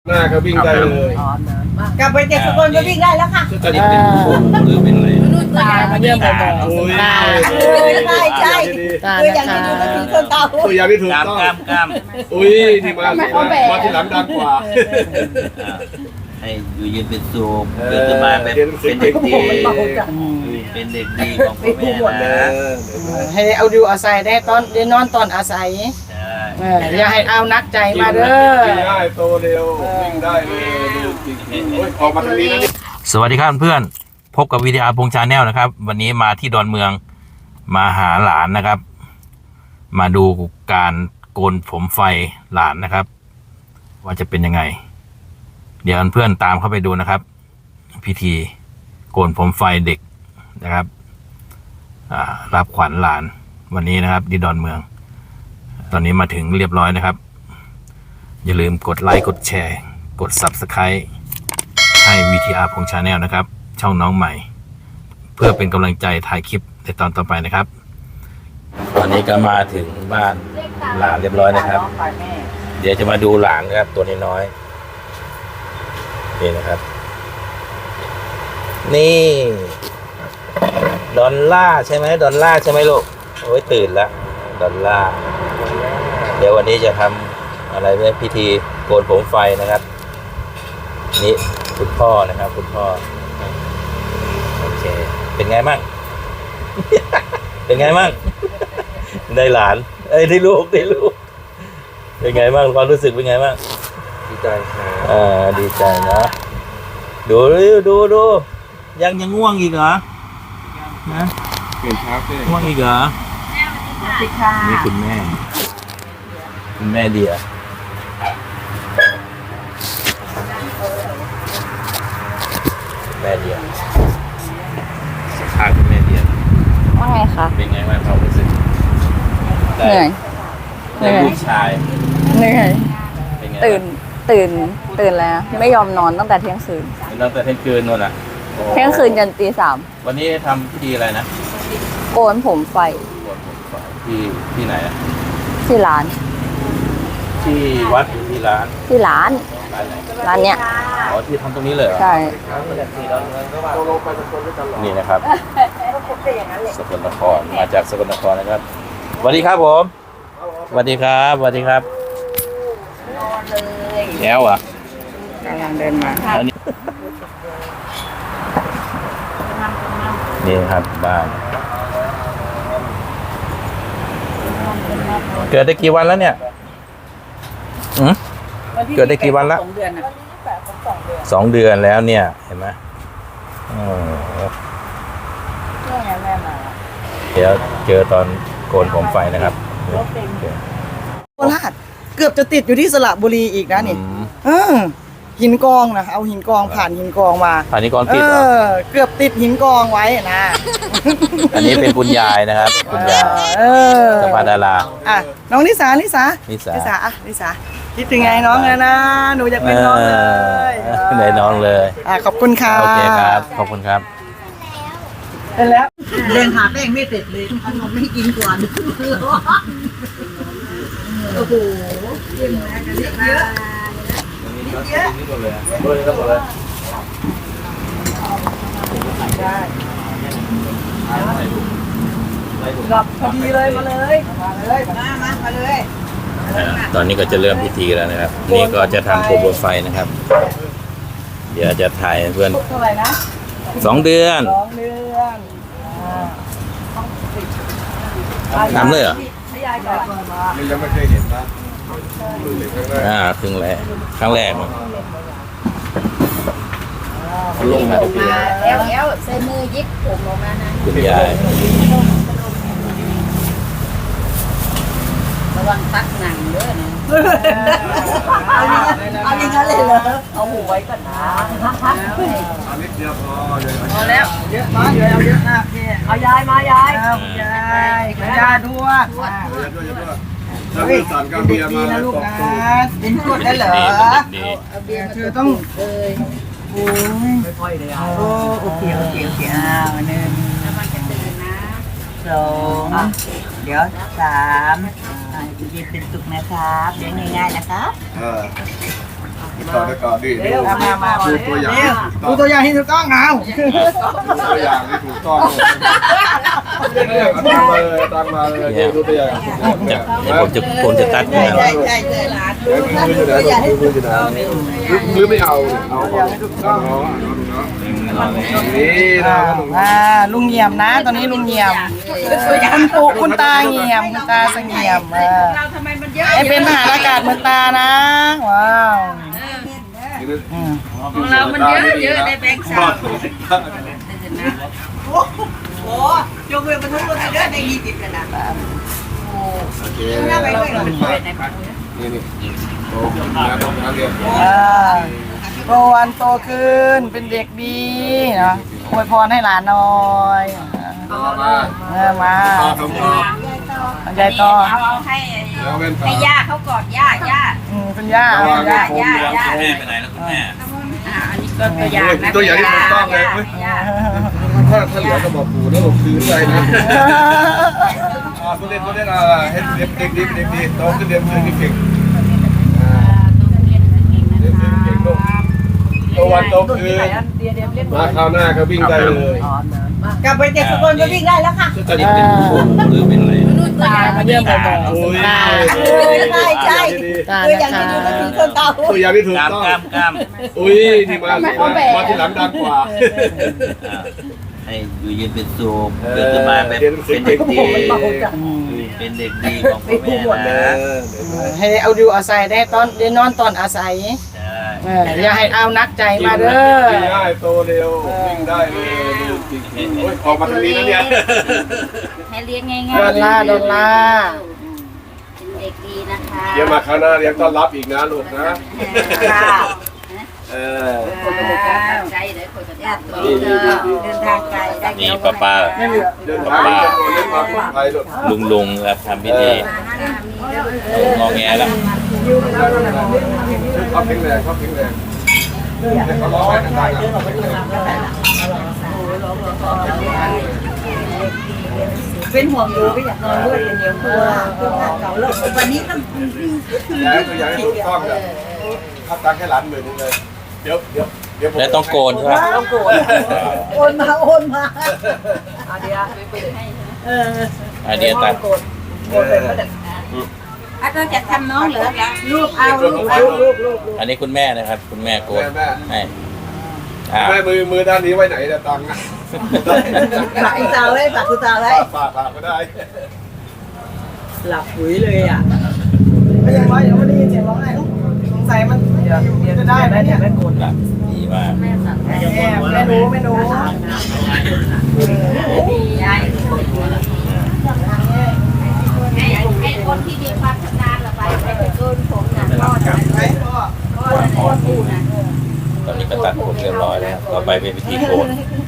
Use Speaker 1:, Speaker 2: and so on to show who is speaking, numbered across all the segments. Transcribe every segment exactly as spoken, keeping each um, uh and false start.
Speaker 1: หน้าก็วิ่งได้เลย
Speaker 2: กลับไปเจ็ดสกลก็วิ่งได้แล้วค่ะ
Speaker 3: ก็จะเป็นหรือเป็นอะไร
Speaker 2: ตามาเยี่ยมบ่อยๆตาใช่ใช่คืออย่างที่ดูก็คือคนตา
Speaker 1: ตัวอย่างที่ถูกต้อง
Speaker 3: กล้ามกล้าม
Speaker 1: อุ้ยที่มามาที่หลังดังกว่า
Speaker 3: ให้อยู่เย็นเป็นสุขเกิดมาเป็นเป็นเด็กดีเป็นเด็กดีของพ่อแม่นะ
Speaker 4: ให้เอาดูอาศัยได้ตอนได้นอนตอนอาศัยอย่าให้เอานักใจมาเด้อ
Speaker 1: วิ่งได้โตเร็ววิ่งได้เลยออกมาทางนี้นะนี่
Speaker 3: สวัสดีครับเพื่อนพบกับวีดีอาร์พงชาแนลนะครับวันนี้มาที่ดอนเมืองมาหาหลานนะครับมาดูการโกนผมไฟหลานนะครับว่าจะเป็นยังไงเดี๋ยวเพื่อนตามเข้าไปดูนะครับพิธีโกนผมไฟเด็กนะครับรับขวัญหลานวันนี้นะครับที่ดอนเมืองตอนนี้มาถึงเรียบร้อยนะครับอย่าลืมกดไลค์กดแชร์กด ซับสไครบ์ ให้ วี ที อาร์ พงชาแนลนะครับช่องน้องใหม่เพื่อเป็นกำลังใจถ่ายคลิปในตอนต่อไปนะครับตอนนี้ก็มาถึงบ้านหลานเรียบร้อยนะครับเดี๋ยวจะมาดูหลานนะครับตัวน้อยนี่นะครับนี่ดอลล่าใช่ไหมดอลล่าใช่ไหมลูกโอ้ยตื่นแล้วดอลล่าเดี๋ยววันนี้จะทำอะไรเนี่ยพิธีโกนผมไฟนะครับนี่คุณพ่อนะครับคุณพ่อโอเคเป็นไงมั่ง เป็นไงมั่งได้หลานเอ้ยได้ลูกได้ลูกเป็นไงมั่งความรู้สึกเป็นไงมั่ง
Speaker 1: ดีใจครับ
Speaker 3: อ่าดีใจนะดูดูดูยังยังง่วงอีกเหรอนะ
Speaker 1: เปลี่ยนช้าเพื่อน
Speaker 3: ง่วงอีกเหรอนี่คุณแม่คุณแม่เดียแม่เดียสัมภาษณ์คุณแม่เดีย
Speaker 5: ว่าไงคะ
Speaker 3: เป็นไงบ้างความรู้สึก
Speaker 5: เหนื่อย
Speaker 3: ได้ลูกชาย
Speaker 5: เหนื่อยตื่นตื่นตื่นแล้วไม่ยอมนอนตั้งแต่เที่ยงคืน
Speaker 3: ตั้งแต่เที่ยงคืนนู่นอ่ะ
Speaker 5: เที่ยงคืนจนตีสาม
Speaker 3: วันนี้ทำพิธีอะไรนะ
Speaker 5: โกนผมไฟ
Speaker 3: โกนผมไฟที่ที่ไหนอ่ะ
Speaker 5: ที่ร้าน
Speaker 3: ที่วัดที่ร้าน
Speaker 5: ที่ร้านร้านเนี้ย
Speaker 3: อ๋อที่ทำตรงนี้เลย
Speaker 5: ใช่
Speaker 3: นี่นะครับสกลนครมาจากสกลนครนะครับสวัสดีครับผมสวัสดีครับสวัสดีครับแล้วอ่ะ
Speaker 4: กำลังเดินมา
Speaker 3: นี่ครับบ้านเกิดได้กี่วันแล้วเนี่ยเกิดได้กี่วันละสองเดือนแล้วเนี่ยเห็นไหมเดี๋ยวเจอตอนโกนผมไฟนะครับ
Speaker 4: โคราชเกือบจะติดอยู่ที่สระบุรีอีกนะนี่เออหินกองนะเอาหินกองผ่านหินกองมา
Speaker 3: ผ่านหินกองติดเหรอ
Speaker 4: เกือบติดหินกองไว้นะ
Speaker 3: อันนี้เป็นคุณยายนะครับคุณยายสภาดารา
Speaker 4: อ่ะน้องนิสานิสา
Speaker 3: นิสา
Speaker 4: นิสาอ่ะนิสาคิดถึงไงน้องเลยนะหนูอยากเป็นน้องเลย
Speaker 3: ได้น้องเลย
Speaker 4: อ่ะขอบคุณค่ะ
Speaker 3: โอเคครับขอบคุณครับ
Speaker 4: เป็นแล้ว
Speaker 2: เล่นหาแป้งไม่เสร็จเลยขนมไม่กินก่อนโอ้โหเยอะกันเยอะนะเยอะนี่หมดเลยหมดเลยหมดเลยได้กลับพอดีเลยมาเลยมาเลยมามามาเลย
Speaker 3: ตอนนี้ก็จะเริ่มพิธีแล้วนะครับนี่ก็จะทำโคมไฟนะครับเดี๋ยวจะถ่ายเพื่อน
Speaker 4: เท่าไหร่นะ
Speaker 3: สองเดือน
Speaker 4: สองเดือน
Speaker 3: ทำเลยเหรอ
Speaker 1: ยังไม่เคยเห็นนะ
Speaker 3: อ่าครึ่งแรกครั้งแรกลงมา
Speaker 5: แล้วแล้วใส่มือยิบผมลงมานะ
Speaker 3: คุณยาย
Speaker 5: ระวังตักหนังเด้อนะ
Speaker 2: เอาอย่างนั้นเอาอย่างนั้นเลยเหรอ
Speaker 5: เอาหูไว้ก่อนนะ
Speaker 1: อันนี้เดียวพอเลย
Speaker 2: พอแล้วเยอะมาเยอะเอาเยอะนะพี่เอายายมายาย
Speaker 4: ยายคุณยายด้วย
Speaker 1: แล้วมีสารกาเบียมา
Speaker 4: นะลูกนะ
Speaker 2: กินกดได้เหรอ
Speaker 4: เอาเบียร์เธอต้อง
Speaker 5: เลย
Speaker 4: โอ้ย
Speaker 2: ไม่ค่อยเลยโอ้โอเคโอเคโอเคอ้าวหนึ่งสองเดี๋ยวสามอ่ายินเป็นสุขนะครับเลี้ยงง่ายๆนะครับ
Speaker 1: ต่อได้ก่อนดิดู
Speaker 4: มามามา
Speaker 1: ดูตัวอย่าง
Speaker 4: ดูตัวอย่างที่ถูกต้องเอา
Speaker 1: ตัวอย่างที่ถูกต้องเนี่ยตามมาเลยตามมาเลยดูตัวอย่าง
Speaker 3: จะเดี๋ยวผมจะผมจะตัดนะ
Speaker 4: ใช่ใช่ใช่หลาน
Speaker 1: เดี๋ยวมือจะได้มือจะได้หรือไม่เอาเอาเอานี่นะ
Speaker 4: อ่าลุงเงียมนะ ตอนนี้ลุงเงียมคุณปู่คุณตาเงียมคุณตาเสงี่ยมเออไอเป็นทหารอากาศเหมือนตานะว้าวอืม
Speaker 2: ของเรามันเยอะเยอะในแบงค์สาม โอ้ยกเว้นบรรทุกรถเยอะในยี่สิบขนาด
Speaker 1: โอเคนี่นี่โอ้ยนะต้องเรียน
Speaker 4: อ่าโตวันโตขึ้นเป็นเด็กดีเนาะอวยพรให้หลานหน่อย
Speaker 1: มา
Speaker 4: เออมา
Speaker 1: ต่อสมบูรณ์
Speaker 4: ยายต่อ
Speaker 2: เอาให้
Speaker 1: แล้วเป็น
Speaker 2: ให้ย่าเขากอดย่าย่า
Speaker 4: อืมเป็นย่าเป็นย่า
Speaker 2: ย่าย่า
Speaker 3: แม่ไปไหนแล้วคุณแม่
Speaker 2: อ่าอันนี้ก็ตัวอย่างนะ
Speaker 1: ตัวอย่างที่ถูกต้องเลยถ้าถ้าเหลือก็บอกปู่แล้วผมคืนใจนะอ่าตัวเล่นตัวเล่นอ่าให้เด็กเด็กดีเด็กดีโตขึ้นเรียนเรียนเก่งเรียนเก่งลูกโตวันโตคืนมาคราวหน้าก็วิ่งได้เลย
Speaker 2: กลับไปเจ็ดสกลก็วิ่งได้แล้วค่ะ
Speaker 3: จะนี่เป็นครูหรือเป็นอะไร
Speaker 2: ตา
Speaker 4: มาเยี่ยมบ่อย
Speaker 1: โอ้ย
Speaker 4: ๆตา
Speaker 2: ใช่ใช่
Speaker 4: ตา
Speaker 2: ตัวอย่าง
Speaker 4: นะ
Speaker 2: ที่
Speaker 4: คะ
Speaker 2: ดูก็คือคนเตา
Speaker 1: ตัวอย่างที่ถูก
Speaker 3: กล้าม
Speaker 1: ต้อง
Speaker 3: กล้ามกล้าม
Speaker 1: อุ้ยนี่มามาที่หลังดังกว่า
Speaker 3: ให้อยู่เย็นเป็นสุขเกิดมาเป็นเป็นเด็กดีเป็นเด็กดีของพ่อแม่นะ
Speaker 4: ให้เอาดูอาศัยได้ตอนได้นอนตอนอาศัย
Speaker 3: ใช่
Speaker 4: เอออย่าให้เอานักใจมาเด้อ
Speaker 1: ง่ายโตเร็ววิ่งได้เลยโอ้ยออกมาทางนี้นะเนี่ย
Speaker 2: ให้เลี้ยงง่าย
Speaker 4: ดอลลาร์ดอลลาร์
Speaker 2: เป็นเด็กดีนะคะ
Speaker 1: เดี๋ยวมาคราวหน้าเรียกต้อนรับอีกนะลูกนะ เออ
Speaker 2: คนจะตั้งใจเลยคนจะตั้งตัวเดินทางไกลได้
Speaker 3: นี่ป้าป้า
Speaker 1: เดินทางจะโดนเล่นมาปลอดภัยลูก
Speaker 3: ลุงลุงครับทำพิธีงอแงแล้ว
Speaker 1: เขาเพ่งแรงเขาเพ่งแรงเขาร้องให้ดังๆ
Speaker 2: เป็นห่วงดูก็อยากนอนด้วยเป็นเดียวตัวตัวเก่าเลิกวันนี้ก็
Speaker 1: ย้ายตัวย้ายถูกต้องเลยถ้าตังแค่หลานหมื่นนึงเลย เดี๋ยวเดี๋ยวเดี๋ยว
Speaker 3: แล้วต้องโกนใช่ไหม
Speaker 2: ต้องโกรธโอนมาโอนมาเอาเดี๋ยวไปให้เออ
Speaker 3: ไอเดียตัด
Speaker 2: โกรธโกรธเป็นประเด็นอ่ะเราจะทำน้องเหรอลูกเอาลูกเอาลูกลูก
Speaker 3: อันนี้คุณแม่นะครับ คุณแม่โกนให้อ่า
Speaker 1: แม่มือมือด้านนี้ไว้ไหนเนี่ยตังค์
Speaker 2: ฝากคุณตาไว้ฝากคุณตาไว้
Speaker 1: ฝากฝากก็ได้
Speaker 2: หลับหุยเลยอ่ะ
Speaker 4: ไม่ยังว่ายังไม่ได้ยินเสียงร้องไห้สงสัยมันจะได้ไหมเนี่ย
Speaker 3: ดีมาก
Speaker 4: แม่ไม่รู้ไม่รู้
Speaker 2: ดียายให้ให้คนที่มีความชำนาญละไปไปโดนผมนะรอดไปก็ก็พูดนะ
Speaker 3: ตอนนี้ก็ตัดผมเรียบร้อยแล้วต่อไปเป็นพิธีโกน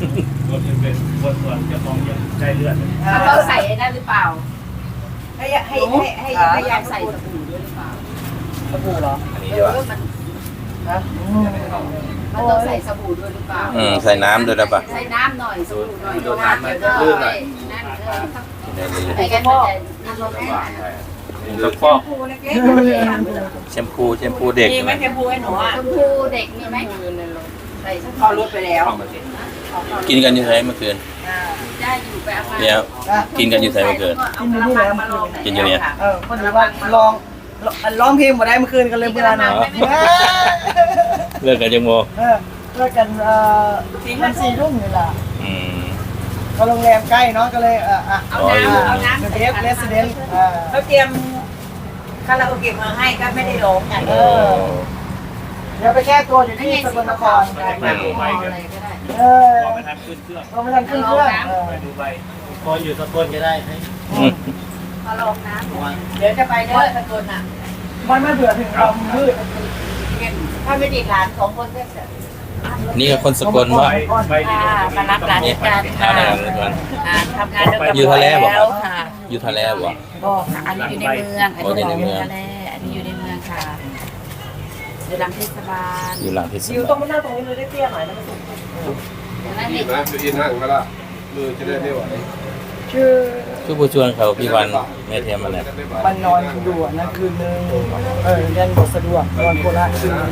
Speaker 2: เขาใส่ได้หรือเปล่าให้ให้ให้ให้ให้ยายใส่สบู่ด้วยหรือเปล่า
Speaker 4: สบู่เหรอ
Speaker 3: อันนี้ดีกว่า
Speaker 2: มัน
Speaker 4: ฮะ
Speaker 2: มันต้องใส่สบู่ด้วยหรือเปล่า
Speaker 3: อืมใส่น้ำด้วยนะปะ
Speaker 2: ใส่น้ำหน่อยสบู่หน่อยโดนน้ำมันจะลื่นหน่อยนั่นเลยไอ้กันมันจะนั่นลงแม่
Speaker 3: แล้วก็แชมพูแชมพูเด็ก
Speaker 2: มีไหมแชมพูให้หนูอ่ะแชมพูเด็กมีไหมใส่พอลดไปแล้ว
Speaker 3: กินกันอยู่ไหนเมื่อคืน
Speaker 2: ได้อยู่ไปเอามา
Speaker 3: เดี๋ยวกินกันอยู่ไหนเมื่อคืน กินอยู่เนี่ย
Speaker 4: เออพอดีว่าลองร้องเพลงมาได้เมื่อคืนกันเลยเมื่อนะ
Speaker 3: เลิกกันยังโม
Speaker 4: เออเลิกกันเอ่อมันสี่ทุ่มนี่แหละ
Speaker 3: อืม
Speaker 4: ก็โรงแรมใกล้เนาะก็เลยเอออ่ะ
Speaker 2: เอาน้ำเอาน้ำ
Speaker 4: เดสเรสเดนต์อ่า
Speaker 2: เขาเตรียมคาราโอเกะมาให้ก็ไม่ได้ร้องกัน
Speaker 4: เออเดี๋ยวไปแก้ตัวอยู่ที่สกลนคร
Speaker 2: อะไรก็ได้
Speaker 4: เออพอไม่ทันขึ้นเครื่องพอไม่ทันขึ้นเครื่องเออ
Speaker 6: พออยู่สกลก็ได้ให้
Speaker 2: มาลองน้ำเดี๋ยวจะไปเด้อสกลอ่ะ
Speaker 4: มันไม่เบื่อถึงเรามืด
Speaker 2: ถ้าไม่ติดหลานสองคนก็จะ
Speaker 3: นี่ก็คนสกลว่า
Speaker 2: มารับหลานด้วยกัน
Speaker 3: อ่า
Speaker 2: ค่ะ
Speaker 3: เดี๋ยวก่อน
Speaker 2: ทำงานด้วยกัน
Speaker 3: อยู่ทะเลบ่
Speaker 2: แล้วค่ะ
Speaker 3: อยู่ทะเลบ่
Speaker 2: ก็ค่ะอันนี้อยู่ในเมืองอันนี้อยู่ในเมืองทะเลอันนี้อยู่ในเมืองค่ะอยู่หลังเทศบาล
Speaker 3: อยู่หลังเทศ
Speaker 4: อยู่ต
Speaker 3: บา
Speaker 4: รง
Speaker 3: ล
Speaker 4: มันหน้าตรงนี้เลยได้เตี้ยหน่อยนะ
Speaker 2: นั่น
Speaker 1: ดี
Speaker 2: นี่
Speaker 1: นะจะอินนั่งก็ละมือจะได้ไม่ไหว
Speaker 4: ชื่อ
Speaker 3: ชื่อผู้ชวนเขาพี่วันแม่เทียมอะไร
Speaker 4: มันนอนอยู่อะนะคืนนึงเออเรียนบทสะดวกนอนโคราชคืนนึง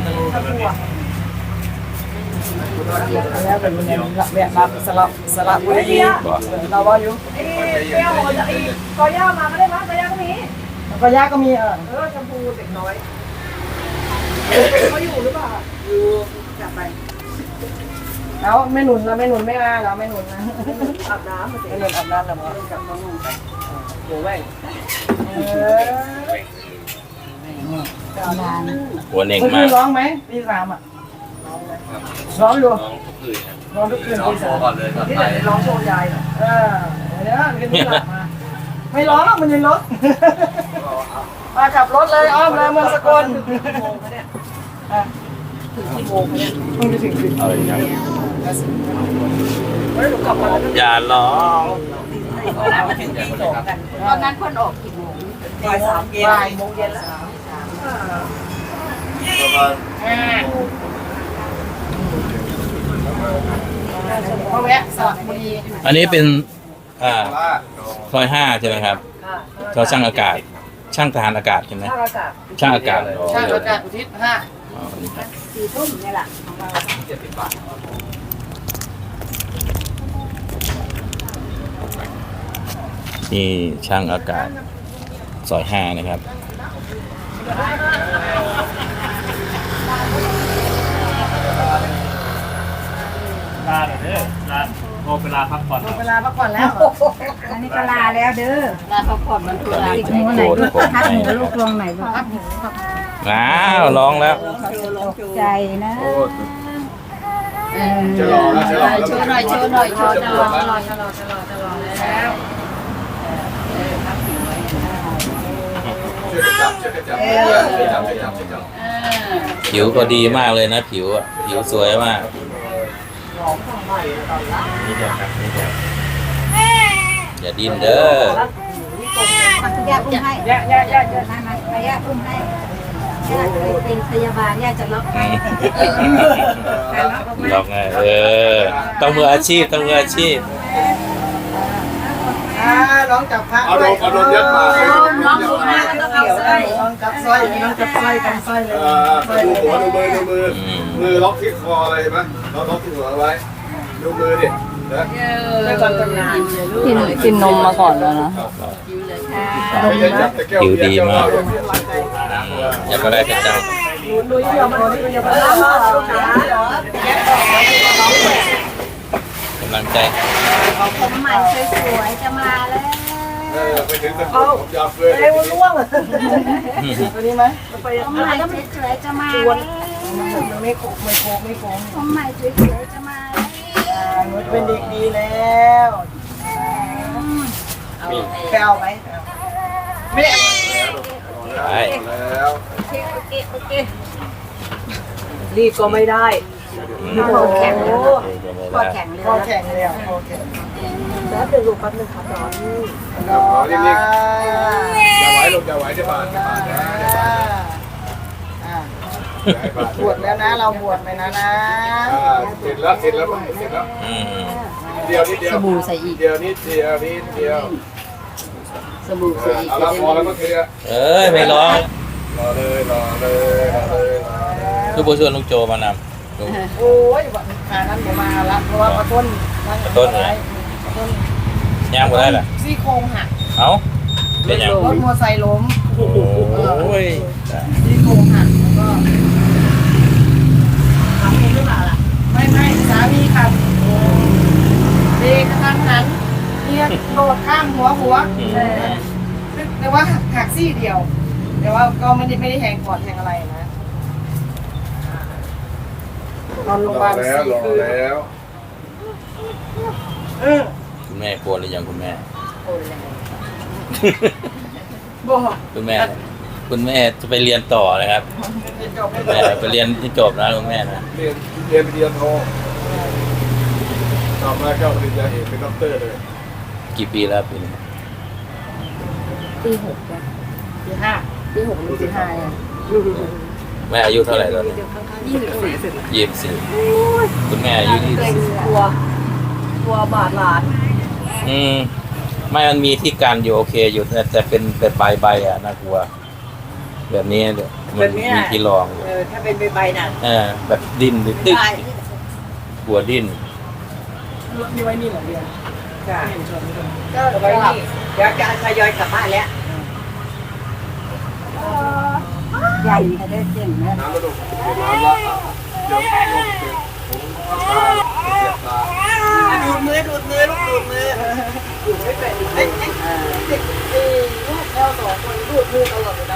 Speaker 4: แล้วเป็นวันนี้ละแวะรับสลับสลับบุรีเราว่าอยู่ก็ย่ามาก็ได้มั้ยก็ย่าก็มีก็ย่าก็มีเออเออชมพูเด็กน้อยเขาอยู่หรือเปล่าอยู่กลับไปแล้วแม่หนุนแล้วแม่หนุนไม่มาแล้วแม่หนุนนะอาบน้ำแม่หนุนอาบน้ำแล้วมั้งกับน้องนุ่งโอ้ยเออ
Speaker 3: หัวเน่ง
Speaker 4: เมื่อ
Speaker 3: มา
Speaker 4: คื
Speaker 3: ก
Speaker 4: นร้องไหมตีสามอ่ะร้องอยู่ร้องทุกคืนตีสามที่ไหนร้องโชว์ยายเออเดี๋ยวคืนนี้หลับมาไม่ร้องหรอกมันยังรถมาขับรถเลยอ้อมเลยเมืองสกลถึงกี่โมงเนี่ยต้องไปถึงสิบเฮ้ยหนูกลับมาแล้ว
Speaker 3: อย่าร้อง
Speaker 4: ตอนนั้นมาถึงตีสองกันตอนนั้นคนออกกี่โมงบ่ายสามเย็นบ่ายโมงเย็นแล้ว
Speaker 1: ประมาณ
Speaker 4: มาแวะสระบุรี
Speaker 3: อันนี้เป็นอ่า
Speaker 1: ลาด
Speaker 3: ซอยห้าใช่ไหมครับเราช่างอากาศ ช่างทหารอากาศใช่ไหม
Speaker 4: ช่างอากาศ
Speaker 3: ช่างอากาศอ๋อ
Speaker 4: ช่างอากาศอุทิศห้า
Speaker 3: อ๋อนี่ครับ
Speaker 4: สี่ทุ่มนี่แหละ
Speaker 3: นี่ช่างอากาศซอยห้านะครับ
Speaker 6: ลาเด้อลาโอเวลาพักผ่อน
Speaker 4: หมดเวลาพักผ่อนแล้ว
Speaker 2: อันนี้ก็ลาแล้วเด้อลาพักผ่อนมันคือลา
Speaker 3: ติดหัวไหนลูก
Speaker 2: พักหนูลูกลงไหนบ้าง
Speaker 3: อ้าวร้องแล้ว
Speaker 2: ใจนะ
Speaker 1: โอ้จะรอแล้วจะรอแล้ว
Speaker 2: โชว์หน่อยโชว์หน่อยโชว์หน่อย
Speaker 4: ตลอดตลอดตลอดตลอดแล้ว
Speaker 1: ช่วยจับช่วยจับช่วยจับช่วยจับช่วยจับ
Speaker 3: ผิวก็ดีมากเลยนะผิวอะผิวสวยมากนี่เดี๋ยวครับนี่เดี๋ยวอย่าดิ้นเด้อ
Speaker 2: ย่าอุ้มให้
Speaker 4: แย่แย่แย่แย่
Speaker 2: มามาไปย่าอุ้มให้ย่าเคยเป็นพยาบาลย่าจะล็อกให้
Speaker 3: ลองไงเออต้องมืออาชีพต้องมืออาชีพ
Speaker 4: อ่าน้องจับพระ
Speaker 1: เอาโดนเอาโดนยัดมา
Speaker 4: น้องจับพระก็ต้องเอาสร้อยน้องจับสร้อยน้องจับสร้อยกันสร้อยเลย
Speaker 1: เออดูหัวดูมือดูมือมือล็อกที่คออะไรไหมล็อกล็อกที่หัวเอาไว้ดูมือดินะ
Speaker 4: ไม่ก่อนตำนาน
Speaker 5: กินกินนมมาก่อนแล้วนะ
Speaker 1: ไม่ได้จับแต่แก้ว
Speaker 3: ผิวดีมาก
Speaker 1: เบียร์
Speaker 3: อยากก็ได้กระจาย
Speaker 4: ดูยี่ห้อมันนี่ยังไม่ได้มาลูกค้า
Speaker 3: กำลังใจ
Speaker 2: ผมใหม่สวยๆจะมาแล้ว
Speaker 1: เออไปถึงตะโกนผมยาวเลย
Speaker 4: เอ้ยล่วงตัวนี้ไหมไป
Speaker 2: ผมใหม่สวยๆจะมาแล้ว
Speaker 4: มันไม่โคกไม่โคกไม่โค้ง
Speaker 2: ผมใหม่สวยๆจะมาแล้ว
Speaker 4: หนูเป็นเด็กดีแล้วไปเอาไหมไม่ได้
Speaker 3: ไป
Speaker 1: แล้ว
Speaker 2: โอเคโอเคโอเค
Speaker 4: รีบก็ไม่ได้
Speaker 2: คอแข็งเลยคอแข็งเลย
Speaker 4: คอแข็งเลยอ่ะคอแข็งแล้วเป็นลูกแป๊บนึงครับร้อน
Speaker 1: รอนิ่งๆอย่าไหวลงอย่าไหวจะบาดจะบาดนะจะบาดนะอย่าให้บาด
Speaker 4: บวชแล้วนะเราบวชไปนะนะ
Speaker 1: อ่าเสร็จแล้วเสร็จแล้วเสร็จแล้ว
Speaker 3: อืม
Speaker 1: เดียวนิดเดียว
Speaker 2: สบู่ใส่อีก
Speaker 1: เดียวนิดเดียวนิดเดียว
Speaker 2: สบู่ใส่อีก
Speaker 1: เอาละพอแล้วก็เทอะ
Speaker 3: เอ้ยไม่ร้อง
Speaker 1: รอเลยรอเลยรอเลยรอเลย
Speaker 3: คือผู้ชวนลุงโจมานำลุง
Speaker 4: โอ้ยขานั้นผมมาละเพราะว่าปะต้น
Speaker 3: ต้นไหน
Speaker 4: ต้น
Speaker 3: ย่างบ่ได้เหรอ
Speaker 4: ซี่โครงหัก
Speaker 3: เอ้าเป็นยัง
Speaker 4: รถมอเตอร์ไซค์ล้ม
Speaker 3: โอ้ย
Speaker 4: ซี่โครงหักแล้วก็ขับเองหรือเปล่าล่ะไม่ไม่สามีขับเบรกกระทันหันเนี่ยโดดข้ามหัวหัวแต่ว่าหักซี่เดียว แต่ว่าก็ไม่ได้ไม่ได้แทงก่อนแทงอะไรนะนอนโรงพยาร บา
Speaker 1: อ
Speaker 4: ล
Speaker 1: แล้ว
Speaker 4: สี่
Speaker 1: รอ
Speaker 4: คืน
Speaker 1: แล้ว
Speaker 4: เออ
Speaker 3: คุณแม่กลัวหรือยังคุณแม่
Speaker 4: บอก
Speaker 3: คุณแม่ คุณแม่จะไปเรียนต่อนะครับ
Speaker 4: จบ
Speaker 3: แม่ไปเรียนที่จบนะคุณแม่นะ
Speaker 1: เรียนเรียนปริญญาโทต่อมาก็ปริญญาเอกเป็นด็อกเตอร์เลย
Speaker 3: กี่ปีแล้วปีนี้
Speaker 5: ปีหกเนี่ย
Speaker 4: ปีห้า
Speaker 5: ปีหกหรือปีห้าเนี่ย
Speaker 3: แม่อายุเท่าไหร่ตอนนี้
Speaker 5: ยี่สิบสี่
Speaker 3: ยี่สิบสี่คุณแม่อายุยี่สิบสี่
Speaker 5: กลัวกลัวบาดหลาน
Speaker 3: อืมไม่มันมีที่การอยู่โอเคอยู่แต่แต่เป็นแบบใบใบอ่ะน่ากลัว แบบนี้เดี๋ยวมันมีที่รองอยู่
Speaker 2: เออถ้าเป็นใบๆน่ะ
Speaker 3: เออแบบดิ้นหรือตึ๊กกลัวดิ้น
Speaker 4: มีไว้นี่เหรอเดียว
Speaker 2: จ้ะ
Speaker 4: เห็นชวนไม่ชวน
Speaker 2: ก็ไว้นี่เดี๋ยวจะทยอยกลับบ้านแล้วใหญ่ค่ะได้เจ๋งนะ
Speaker 1: น้ำกระดูกน้ำละเดี๋ยวลงเสร็จผมทำตาเสียบตา
Speaker 2: ดูดมือดูดมือลูกดูดมือดูดไม่เป็นไอ้ไอ้เด็กลูกเราสองคนดูดมือตลอดเลยนะ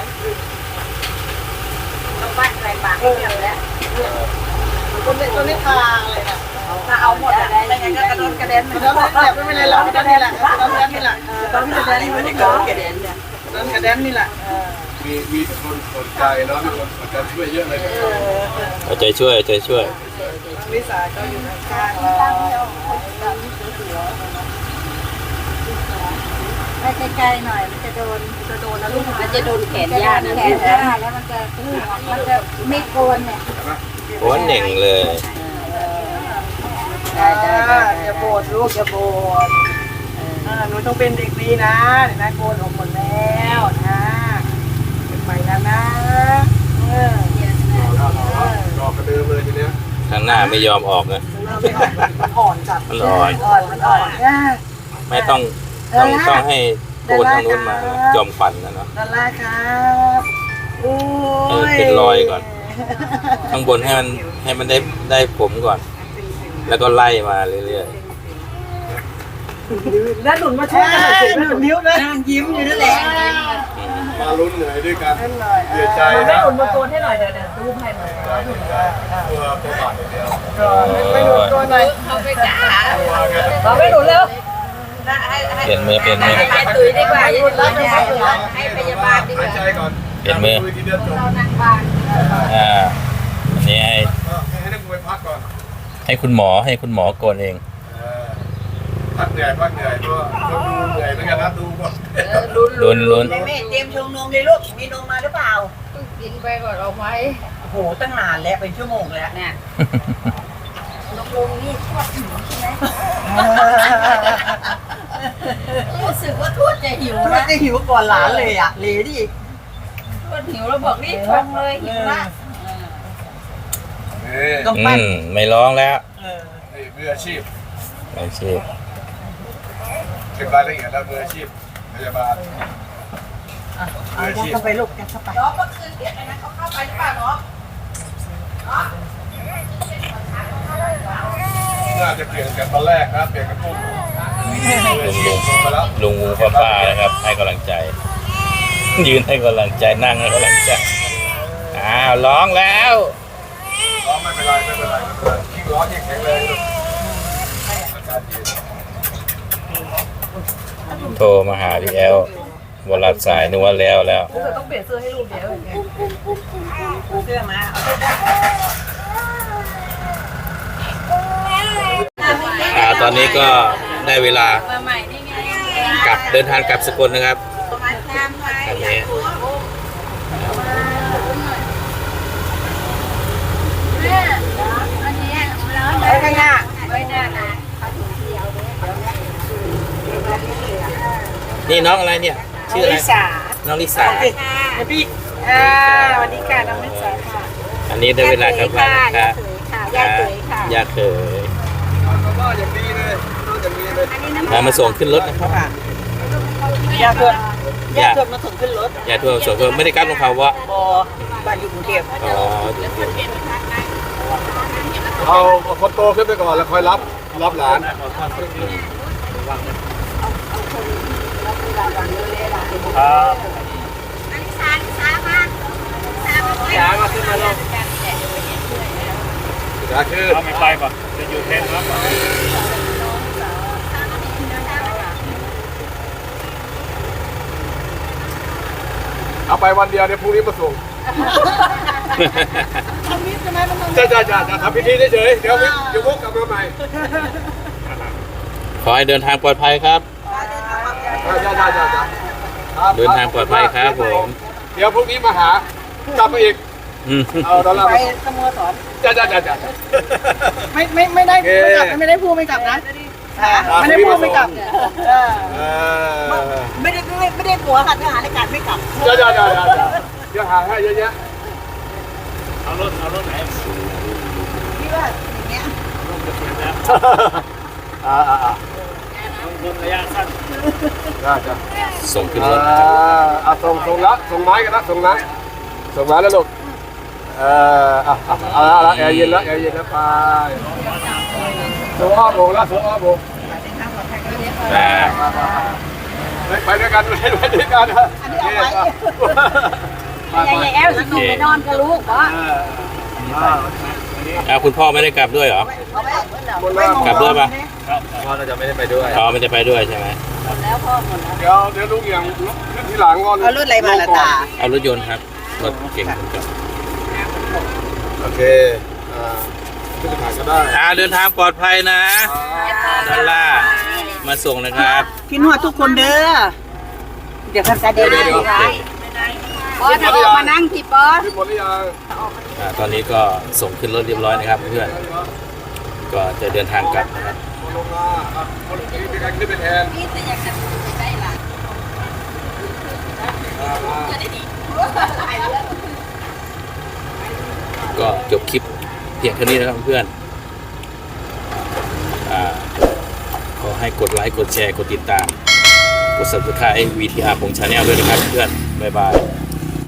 Speaker 2: ต้องบ้านใส่ปากให้เรียบแล้ว
Speaker 4: คนนี้คนนี้ทาเลยนะ
Speaker 2: ถ้าเอาหมดอะไม่งั้นก็กระโดดกระเด็น
Speaker 4: แล้วแหละไม่เป็นไรเราก็นี่แหละเราแดนนี่แหละ
Speaker 2: ต้องกระเด็นไม่ได้กระโดดกระเด็นเนี่ย
Speaker 4: เรากระแดนนี่แหละ
Speaker 1: มีมีคนสนใจเนาะมีคนสนใจช่วยเยอะเลย
Speaker 3: เอาใจช่วยเอาใจช่วย
Speaker 4: วิสาก็อยู่ข้างๆเรา
Speaker 2: ไปไกลๆหน่อยมันจะโดนจะโดนนะลูกมันจะโดนแขนย่านะแขนย่าแล้วมันจะมันจะไม่โกนเนี่ย
Speaker 3: โอ้เหน่งเลย
Speaker 4: ได้ได้อย่าโบดลูกอย่าโบดอ่าหนูต้องเป็นเด็กดีนะเดี๋ยวนะโกนออกหมดแล้วนะเป็นไปแล้วนะเออ
Speaker 1: รอกระเดิมเลยทีเนี้ย
Speaker 3: ข้างหน้าไม่ยอมออกนะ
Speaker 4: มันอ่อนจัด
Speaker 3: มันอ่อน
Speaker 4: อ่อนมันอ่อนยาก
Speaker 3: ไม่ต้องต้องต้องให้โคนทางนู้นมาจอมขวัญนะเนาะ
Speaker 4: ดอลลาร์ครับโอ้
Speaker 3: เออย เป็นรอยก่อน ข้างบนให้มันให้มันได้ได้ผมก่อน แล้วก็ไล่มาเรื่อย
Speaker 4: แล้วหนุนมาช่วยกันหน่อยสิหนุนนิ้วนะ
Speaker 2: นั่งยิ้มอยู่นั่นแหละ
Speaker 1: มาลุ้นเหนื่อยด้วยกัน
Speaker 4: เล่นหน่อย
Speaker 1: เสียใจ
Speaker 4: ไม่
Speaker 1: นะ
Speaker 4: หนุนมาโกนให้หน่อยเดี๋ยวเดี๋ยวตู้ให้หน่อย
Speaker 1: ตัวตัวบาดอย่างเดียว
Speaker 4: ไม่หนุนโกนหน่อย
Speaker 2: เขาไปจ้า
Speaker 4: เราไม่หนุนแล้ว
Speaker 3: ๆ เปลี่ยนมือเปลี่ยนมือ
Speaker 2: ไปตุยดีกว่าอย่าตุยให้พยาบาลดีก
Speaker 1: หาย
Speaker 2: ว่า
Speaker 1: ใจก่อน
Speaker 3: เปลี่ยนมือ
Speaker 1: ทีเดียวจบ
Speaker 2: นั่งบ้าน
Speaker 3: อ่าอันนี้ให้
Speaker 1: ให้นักมวยพักก่อน
Speaker 3: ให้คุณหมอให้คุณหมอโกนเอง
Speaker 1: พักเหนื่อยพักเหนื่อยตัวตัวดูเหนื่อยเหมือนกันนะดูก่อน
Speaker 3: ลุ้นลุ้น
Speaker 2: แม่เตรียมชงนมเลยลูกมีนมมาหรือเปล่า
Speaker 5: กินไปก่อนเอาไว้
Speaker 2: โอ้โหตั้งนานแล้วเป็นชั่วโมงแล้วเนี่ยนมลงนี่ทอดหิวใช่ไหมรู้สึกว่าทวดจะหิวนะจะหิวก่อนหลานเลยอ่ะเลยดิ
Speaker 5: ทวดหิวแล้วบอกรีบชงเลยหิวละ
Speaker 1: นี่
Speaker 2: ต้อง
Speaker 3: อื
Speaker 2: ปั้น
Speaker 3: มไม่ร้องแล้ว
Speaker 1: นี่มืออาชีพ
Speaker 3: ไม่ใช่
Speaker 1: เป็นรายละเอียดแล้วมืออาชีพพยาบาลมืออาชีพ
Speaker 2: เข้าไปลูกเข้าไปน้องเมื่อคืนเรียกอะไรนะเขาเข้าไปหรือเปล่าน้อง
Speaker 1: น่าจะเปลี่ยนกันตอนแรกนะเปลี่ยนกันปุ๊บ
Speaker 3: ลุงลุง
Speaker 1: มาแล้ว
Speaker 3: ลุงงูป้าป้านะครับ ให้กำลังใจ ยืนให้กำลังใจนั่งให้กำลังใจอ้าวร้องแล้ว
Speaker 1: ร้องไม่เป็นไรไม่เป็นไรไม่เป็นไรยิ่งร้องยิ่งแข็งแรงเลยอากาศเย็น
Speaker 3: โทรมาหาพี่แอลวลัดสายนึกว่าแล้วแล้ว
Speaker 4: ต้องเปลี่ยนเสื้อให้ลูกเดี๋ยว
Speaker 2: เสื้อมา
Speaker 3: อ่าตอนนี้ก็ได้เวลา
Speaker 5: มาใหม่นี่ไง
Speaker 3: กลับเดินทางกลับสกลนะครับ
Speaker 2: มาทำไว้
Speaker 3: อันนี้
Speaker 5: อันนี้ร้อน
Speaker 2: ไปข้างหน้า
Speaker 5: ไว้หน้านะ
Speaker 3: นี่น้องอะไรเนี่ย ชื่ออะไร
Speaker 4: ลิสา
Speaker 3: น้องลิสา
Speaker 4: เดี๋ยวพี่อ่าสวัสดีค่ะน้องลิสาค่ะ
Speaker 3: อันนี้ได้เวลากลับบ้านนะครับ
Speaker 2: ย่าเขยค่ะ
Speaker 3: ยาเขย
Speaker 1: ก็อย่างดีเลยก็อย่างดีเลย
Speaker 3: มามาส่งขึ้นรถนะครับ
Speaker 4: ยาเกิดยาเกิดมาถึงขึ้นรถ
Speaker 3: ยาทั่วส่งไม่ได้กลับลงเขาวะ
Speaker 2: บอบ้านอยู่กรุงเทพ
Speaker 3: อ๋อ
Speaker 1: เอาคนโตขึ้นไปก่อนแล้วค่อยรับรับหลาน
Speaker 6: ครับ
Speaker 1: ยามาขึ้นมาลงยาขึ้น
Speaker 6: เอาไม่ไปป่ะจะอยู่เทนครับ
Speaker 1: เอาไปวันเดียวเดี๋ยวพรุ่งนี้มาส่ง
Speaker 4: ทำนิดใช่ไหมมันต้อง
Speaker 1: จ้าจ้าจ้าทำพิธีเฉยๆเดี๋ยวเดี๋ยววกกลับมาใหม่
Speaker 3: ขอให้เดินทางปลอดภัยครับ
Speaker 1: จ้าจ้าจ้าจ้า
Speaker 3: เดินทางปลอดภัยครับผม
Speaker 1: เดี๋ยวพรุ่งนี้มาหากลับมาอีก
Speaker 3: อืม
Speaker 1: เอาดอลลาร์
Speaker 4: ไปสโมสร
Speaker 1: จ้าจ้าจ้าจ้า
Speaker 4: ไม่ไม่ไม่ได้ไม่กลับไม่ได้พูดไม่กลับนะไม่ได้พูดไม่กลับเออ
Speaker 1: เออ
Speaker 2: ไม่ได้ไม่ไม่ได้ผัวค่ะทหารอากาศไม่กลับ
Speaker 1: เดี๋ยวเดี๋ยวเดี๋ยวเดี๋ยวเดี๋ยวหาให้เยอะแยะ
Speaker 6: เอารถเอารถไหน
Speaker 2: พี่ว่าอย่างเงี้ย
Speaker 6: รถจะเสียแล้ว
Speaker 1: อ่าอ่าอ่า
Speaker 6: รถระยะสั้น
Speaker 1: ได้จ้ะ
Speaker 3: ส่งขึ้น
Speaker 1: อ่าร
Speaker 3: ถ
Speaker 1: อ่าส่งส่งละส่งไม้กันนะส่งไม้ส่งไม้แล้วลูกเอออ่ะอ่ะเอาละเอาละแอร์เย็นแล้วแอร์เย็นแล้วไปส่งอ้อมโบกแล้วส่งอ้อมโบก
Speaker 3: อ่า
Speaker 1: ไปด้วยกันไปด้วยกันนะโอเคไปไป
Speaker 5: ยายแอลสิไปนอนกับลูกวะ
Speaker 3: อ่าคุณพ่อไม่ได้กลับด้วยเหรอ
Speaker 1: หมดแล้ว
Speaker 3: กลับด้วยปะ
Speaker 1: พ่อน่าจะไม่ได้ไปด้วย
Speaker 3: อ๋อไม่ได้ไปด้วยใช่ไหม
Speaker 1: เดี๋ยวเดี๋ยวลุงอย่างขึ้นทีหลังก่อน
Speaker 2: เอารถอะไรมาละตา
Speaker 3: เอารถยนต์ครับรถเก่งคุณกับ
Speaker 1: โอเคอ่าขึ้นถ่ายก็ได้
Speaker 3: อ่าเดินทางปลอดภัยนะดอลล่าร์มาส่งนะครับ
Speaker 2: พี่นวดทุกคนเด้อเดี๋ยวกันจะ
Speaker 1: เดี๋
Speaker 2: เดี๋
Speaker 1: ย
Speaker 2: ยว ว
Speaker 1: เดี๋ยวเดี๋ยว
Speaker 5: บอสจะออกมานั่งที่บอส
Speaker 1: ขึ้นหมดหรือยัง
Speaker 3: อ่าตอนนี้ก็ส่งขึ้นรถเรียบร้อยนะครับเพื่อนก็จะเดินทางกลับนะครับ
Speaker 1: ลงมาอ่ะคนนี้มีการขึ้นไปแทน
Speaker 5: นี่แต่อยากจะไปได้ล่ะ
Speaker 3: ก็จบคลิปเพียงเท่านี้นะครับเพื่อนอ่าขอให้กดไลค์กดแชร์กดติดตามกด ซับสไครบ์ วี ที อาร์ ของ Channel ด้วยนะครับเพื่อนบ๊ายบาย